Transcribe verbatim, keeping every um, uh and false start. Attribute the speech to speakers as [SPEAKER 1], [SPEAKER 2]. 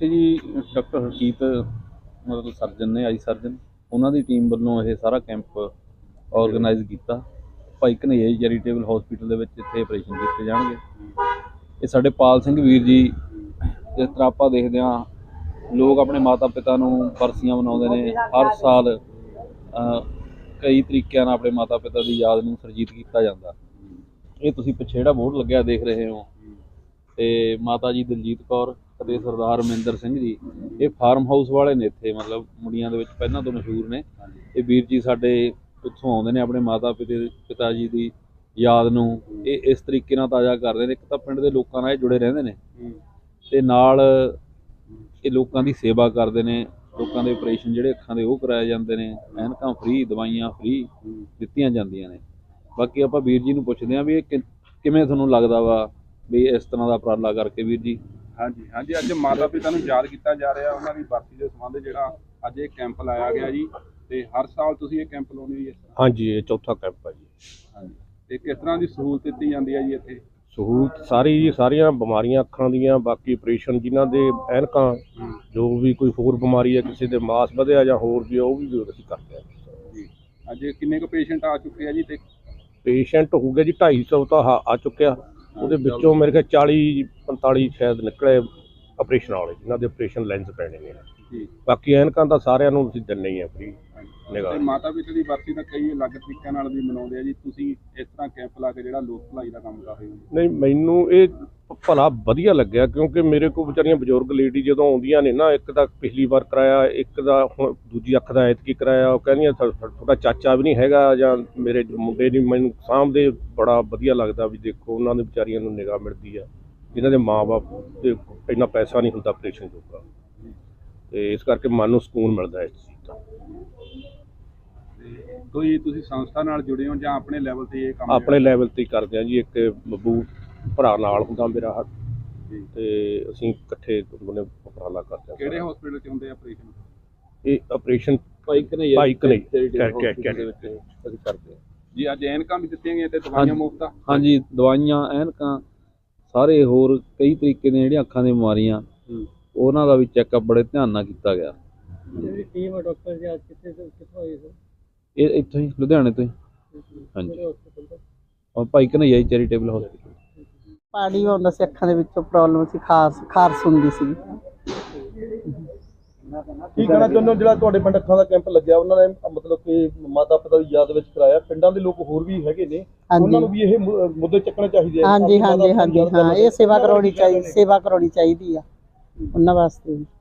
[SPEAKER 1] ਇੱਥੇ ਜੀ ਡਾਕਟਰ ਹਰਜੀਤ ਮਤਲਬ ਸਰਜਨ ਨੇ, ਆਈ ਸਰਜਨ, ਉਹਨਾਂ ਦੀ ਟੀਮ ਵੱਲੋਂ ਇਹ ਸਾਰਾ ਕੈਂਪ ਆਰਗੇਨਾਈਜ਼ ਕੀਤਾ। ਭਾਈ ਘਨੱਈਆ ਜੀ ਚੈਰੀਟੇਬਲ ਹਸਪੀਟਲ ਦੇ ਵਿੱਚ ਇੱਥੇ ਆਪਰੇਸ਼ਨ ਕੀਤੇ ਜਾਣਗੇ। ਇਹ ਸਾਡੇ ਪਾਲ ਸਿੰਘ ਵੀਰ ਜੀ, ਜਿਸ ਤਰ੍ਹਾਂ ਆਪਾਂ ਦੇਖਦੇ ਹਾਂ ਲੋਕ ਆਪਣੇ ਮਾਤਾ ਪਿਤਾ ਨੂੰ ਬਰਸੀਆਂ ਮਨਾਉਂਦੇ ਨੇ ਹਰ ਸਾਲ, ਕਈ ਤਰੀਕਿਆਂ ਨਾਲ ਆਪਣੇ ਮਾਤਾ ਪਿਤਾ ਦੀ ਯਾਦ ਨੂੰ ਸਰਜੀਤ ਕੀਤਾ ਜਾਂਦਾ। ਇਹ ਤੁਸੀਂ ਪਿੱਛੇ ਜਿਹੜਾ ਬੋਰਡ ਲੱਗਿਆ ਦੇਖ ਰਹੇ ਹੋ, ਤੇ ਮਾਤਾ ਜੀ ਦਲਜੀਤ ਕੌਰ ਅਤੇ ਸਰਦਾਰ ਮਹਿੰਦਰ ਸਿੰਘ ਜੀ, ਇਹ ਫਾਰਮ ਹਾਊਸ ਵਾਲੇ ਨੇ ਇੱਥੇ, ਮਤਲਬ ਮੁੰਡੀਆਂ ਦੇ ਵਿੱਚ ਪਹਿਲਾਂ ਤੋਂ ਮਸ਼ਹੂਰ ਨੇ। ਇਹ ਵੀਰ ਜੀ ਸਾਡੇ ਉੱਥੋਂ ਆਉਂਦੇ ਨੇ, ਆਪਣੇ ਮਾਤਾ ਪਿਤਾ ਪਿਤਾ ਜੀ ਦੀ ਯਾਦ ਨੂੰ ਇਹ ਇਸ ਤਰੀਕੇ ਨਾਲ ਤਾਜ਼ਾ ਕਰਦੇ ਨੇ। ਇੱਕ ਤਾਂ ਪਿੰਡ ਦੇ ਲੋਕਾਂ ਨਾਲ ਇਹ ਜੁੜੇ ਰਹਿੰਦੇ ਨੇ, ਤੇ ਨਾਲ ਇਹ ਲੋਕਾਂ ਦੀ ਸੇਵਾ ਕਰਦੇ ਨੇ। ਲੋਕਾਂ ਦੇ ਆਪਰੇਸ਼ਨ ਜਿਹੜੇ ਅੱਖਾਂ ਦੇ ਉਹ ਕਰਾਏ ਜਾਂਦੇ ਨੇ, ਐਨਕਾਂ ਫ੍ਰੀ, ਦਵਾਈਆਂ ਫ੍ਰੀ ਦਿੱਤੀਆਂ ਜਾਂਦੀਆਂ ਨੇ। ਬਾਕੀ ਆਪਾਂ ਵੀਰ ਜੀ ਨੂੰ ਪੁੱਛਦੇ ਹਾਂ ਵੀ ਇਹ ਕਿ ਕਿਵੇਂ ਤੁਹਾਨੂੰ ਲੱਗਦਾ ਵਾ ਵੀ ਇਸ ਤਰ੍ਹਾਂ ਦਾ ਉਪਰਾਲਾ ਕਰਕੇ। ਵੀਰ ਜੀ।
[SPEAKER 2] ਹਾਂਜੀ ਹਾਂਜੀ ਅੱਜ ਮਾਤਾ ਪਿਤਾ ਨੂੰ ਯਾਦ ਕੀਤਾ ਜਾ ਰਿਹਾ, ਉਹਨਾਂ ਦੀ ਬਰਸੀ ਦੇ ਸੰਬੰਧ ਜਿਹੜਾ ਅੱਜ ਇਹ ਕੈਂਪ ਲਾਇਆ ਗਿਆ ਜੀ। ਤੇ ਹਰ ਸਾਲ ਤੁਸੀਂ ਇਹ ਕੈਂਪ ਲਾਉਂਦੇ ਜੀ?
[SPEAKER 3] ਹਾਂਜੀ, ਇਹ ਚੌਥਾ ਕੈਂਪ ਹੈ ਜੀ।
[SPEAKER 2] ਹਾਂਜੀ, ਤੇ ਕਿਸ ਤਰ੍ਹਾਂ ਦੀ ਸਹੂਲਤ ਦਿੱਤੀ ਜਾਂਦੀ ਹੈ ਜੀ ਇੱਥੇ?
[SPEAKER 3] ਸਹੂਲਤ ਸਾਰੀ ਜੀ, ਸਾਰੀਆਂ ਬਿਮਾਰੀਆਂ ਅੱਖਾਂ ਦੀਆਂ, ਬਾਕੀ ਆਪਰੇਸ਼ਨ ਜਿਨ੍ਹਾਂ ਦੇ ਐਨਕਾਂ, ਜੋ ਵੀ ਕੋਈ ਹੋਰ ਬਿਮਾਰੀ ਹੈ, ਕਿਸੇ ਦੇ ਮਾਸ ਵਧਿਆ ਜਾਂ ਹੋਰ ਵੀ, ਉਹ ਵੀ ਅਸੀਂ ਕਰਦੇ ਹਾਂ
[SPEAKER 2] ਜੀ। ਅੱਜ ਕਿੰਨੇ ਕੁ ਪੇਸ਼ੈਂਟ ਆ ਚੁੱਕੇ ਆ ਜੀ? ਤੇ
[SPEAKER 3] ਪੇਸ਼ੈਂਟ ਹੋ ਗਿਆ ਜੀ ਢਾਈ ਸੌ ਤਾਂ ਆ ਚੁੱਕਿਆ। ਉਹਦੇ ਵਿੱਚੋਂ ਮੇਰੇ ਖਿਆਲ ਚਾਲੀ ਪੰਤਾਲੀ ਸ਼ਾਇਦ ਨਿਕਲੇ ਆਪਰੇਸ਼ਨ ਵਾਲੇ, ਜਿਨ੍ਹਾਂ ਦੇ ਆਪਰੇਸ਼ਨ ਲੈਂਸ ਪੈਣੇ ਨੇ ਜੀ। ਬਾਕੀ ਐਨਕਾਂ ਤਾਂ ਸਾਰਿਆਂ ਨੂੰ ਅਸੀਂ ਦਿੰਦੇ ਹੀ ਆ ਫ੍ਰੀ ਨਿਗਾਹ।
[SPEAKER 2] ਮਾਤਾ ਪਿਤਾ ਦੀ ਬਰਸੀ ਤਾਂ ਕਈ ਅਲੱਗ ਤਰੀਕਿਆਂ ਨਾਲ ਵੀ ਮਨਾਉਂਦੇ ਆ ਜੀ, ਤੁਸੀਂ ਇਸ ਤਰ੍ਹਾਂ ਕੈਂਪ ਲਾ ਕੇ ਜਿਹੜਾ ਲੋਕ ਭਲਾਈ ਦਾ ਕੰਮ ਕਰ ਰਹੇ ਹੋ?
[SPEAKER 3] ਨਹੀਂ, ਮੈਨੂੰ ਇਹ ਭਲਾ ਵਧੀਆ ਲੱਗਿਆ, ਕਿਉਂਕਿ ਮੇਰੇ ਕੋਲ ਵਿਚਾਰੀਆਂ ਬਜ਼ੁਰਗ ਲੇਡੀ ਜਦੋਂ ਆਉਂਦੀਆਂ ਨੇ ਨਾ, ਇੱਕ ਤਾਂ ਪਿਛਲੀ ਵਾਰ ਕਰਾਇਆ, ਇੱਕ ਦਾ ਹੁਣ ਦੂਜੀ ਅੱਖ ਦਾ ਐਤਕੀ ਕਰਾਇਆ, ਉਹ ਕਹਿੰਦੀਆਂ ਤੁਹਾਡਾ ਚਾਚਾ ਵੀ ਨਹੀਂ ਹੈਗਾ ਜਾਂ ਮੇਰੇ ਮੁੰਡੇ ਨਹੀਂ ਮੈਨੂੰ ਸਾਂਭਦੇ। ਬੜਾ ਵਧੀਆ ਲੱਗਦਾ ਵੀ ਦੇਖੋ ਉਹਨਾਂ ਦੇ ਵਿਚਾਰੀਆਂ ਨੂੰ ਨਿਗਾਹ ਮਿਲਦੀ ਆ, ਜਿਨ੍ਹਾਂ ਦੇ ਮਾਂ ਬਾਪ ਤੇ ਇੰਨਾ ਪੈਸਾ ਨਹੀਂ ਹੁੰਦਾ ਆਪਰੇਸ਼ਨ ਜੋਗਾ, ਤੇ ਇਸ ਕਰਕੇ ਮਨ ਨੂੰ ਸਕੂਨ ਮਿਲਦਾ ਇਸ ਚੀਜ਼ ਦਾ।
[SPEAKER 2] ਕੋਈ ਤੁਸੀਂ ਸੰਸਥਾ ਨਾਲ ਜੁੜੇ ਹੋ ਜਾਂ ਆਪਣੇ ਲੈਵਲ ਤੇ ਇਹ ਕੰਮ?
[SPEAKER 3] ਆਪਣੇ ਲੈਵਲ ਤੇ ਹੀ ਕਰਦੇ ਹਾਂ ਜੀ। ਇੱਕ ਬੱਬੂ ਭਰਾ ਨਾਲ ਹੁੰਦਾ ਮੇਰਾ, ਤੇ ਅਸੀਂ ਇਕੱਠੇ ਦੋਨੇ ਉਪਰਾਲਾ ਕਰਦੇ ਹਾਂ।
[SPEAKER 2] ਕਿਹੜੇ ਹਸਪੀਟਲ 'ਚ ਹੁੰਦੇ ਆਪਰੇਸ਼ਨ?
[SPEAKER 3] ਇਹ ਆਪਰੇਸ਼ਨ
[SPEAKER 1] ਭਾਈ ਘਨੱਈਆ
[SPEAKER 3] ਭਾਈ ਘਨੱਈਆ ਅਸੀਂ ਕਰਦੇ ਹਾਂ
[SPEAKER 2] ਜੀ। ਅੱਜ ਐਨਕਾਂ ਵੀ ਦਿੱਤੀਆਂ ਗਈਆਂ ਤੇ ਦਵਾਈਆਂ ਮੁਫਤ?
[SPEAKER 1] ਹਾਂਜੀ, ਦਵਾਈਆਂ, ਐਨਕਾਂ, ਸਾਰੇ ਹੋਰ ਕਈ ਤਰੀਕੇ ਦੀਆਂ ਜਿਹੜੀਆਂ ਅੱਖਾਂ ਦੀਆਂ ਬਿਮਾਰੀਆਂ, ਉਹਨਾਂ ਦਾ ਵੀ ਚੈੱਕਅਪ ਬੜੇ ਧਿਆਨ ਨਾਲ ਕੀਤਾ ਗਿਆ।
[SPEAKER 4] ਜਿਹੜੀ ਟੀਮ ਹੈ ਡਾਕਟਰ ਜੀ ਅੱਜ ਕਿੱਥੇ ਤੋਂ ਕਿੱਥੋਂ ਆਈ ਸਰ?
[SPEAKER 1] ਇਹ ਇੱਥੋਂ ਹੀ, ਲੁਧਿਆਣੇ ਤੋਂ ਹੀ। ਹਾਂਜੀ, ਔਰ ਭਾਈ ਘਨੱਈਆ ਜੀ ਚੈਰੀਟੇਬਲ ਹਸਪੀਟਲ।
[SPEAKER 5] ਪਾਣੀ ਆਉਂਦਾ ਸੀ ਅੱਖਾਂ ਦੇ ਵਿੱਚੋਂ, ਪ੍ਰੋਬਲਮ ਸੀ, ਖਾਰਸ ਖਾਰਸ ਹੁੰਦੀ ਸੀ।
[SPEAKER 6] ਕੀ ਕਹਿਣਾ ਚਾਹੁੰਦੇ ਹੋ ਜਿਹੜਾ ਤੁਹਾਡੇ ਪਿੰਡ ਅੱਖਾਂ ਦਾ ਕੈਂਪ ਲੱਗਿਆ, ਉਹਨਾਂ ਨੇ ਮਤਲਬ ਕਿ ਮਾਤਾ ਪਿਤਾ ਦੀ ਯਾਦ ਵਿੱਚ ਕਰਾਇਆ? ਪਿੰਡਾਂ ਦੇ ਲੋਕ ਹੋਰ ਵੀ ਹੈਗੇ ਨੇ, ਉਹਨਾਂ ਨੂੰ ਵੀ ਇਹ ਮੁੱਦੇ ਚੱਕਣੇ ਚਾਹੀਦੇ ਆ।
[SPEAKER 5] ਹਾਂਜੀ ਹਾਂਜੀ ਹਾਂਜੀ, ਹਾਂ, ਇਹ ਸੇਵਾ ਕਰਾਉਣੀ ਚਾਹੀਦੀ, ਸੇਵਾ ਕਰਾਉਣੀ ਚਾਹੀਦੀ ਆ ਉਹਨਾਂ ਵਾਸਤੇ।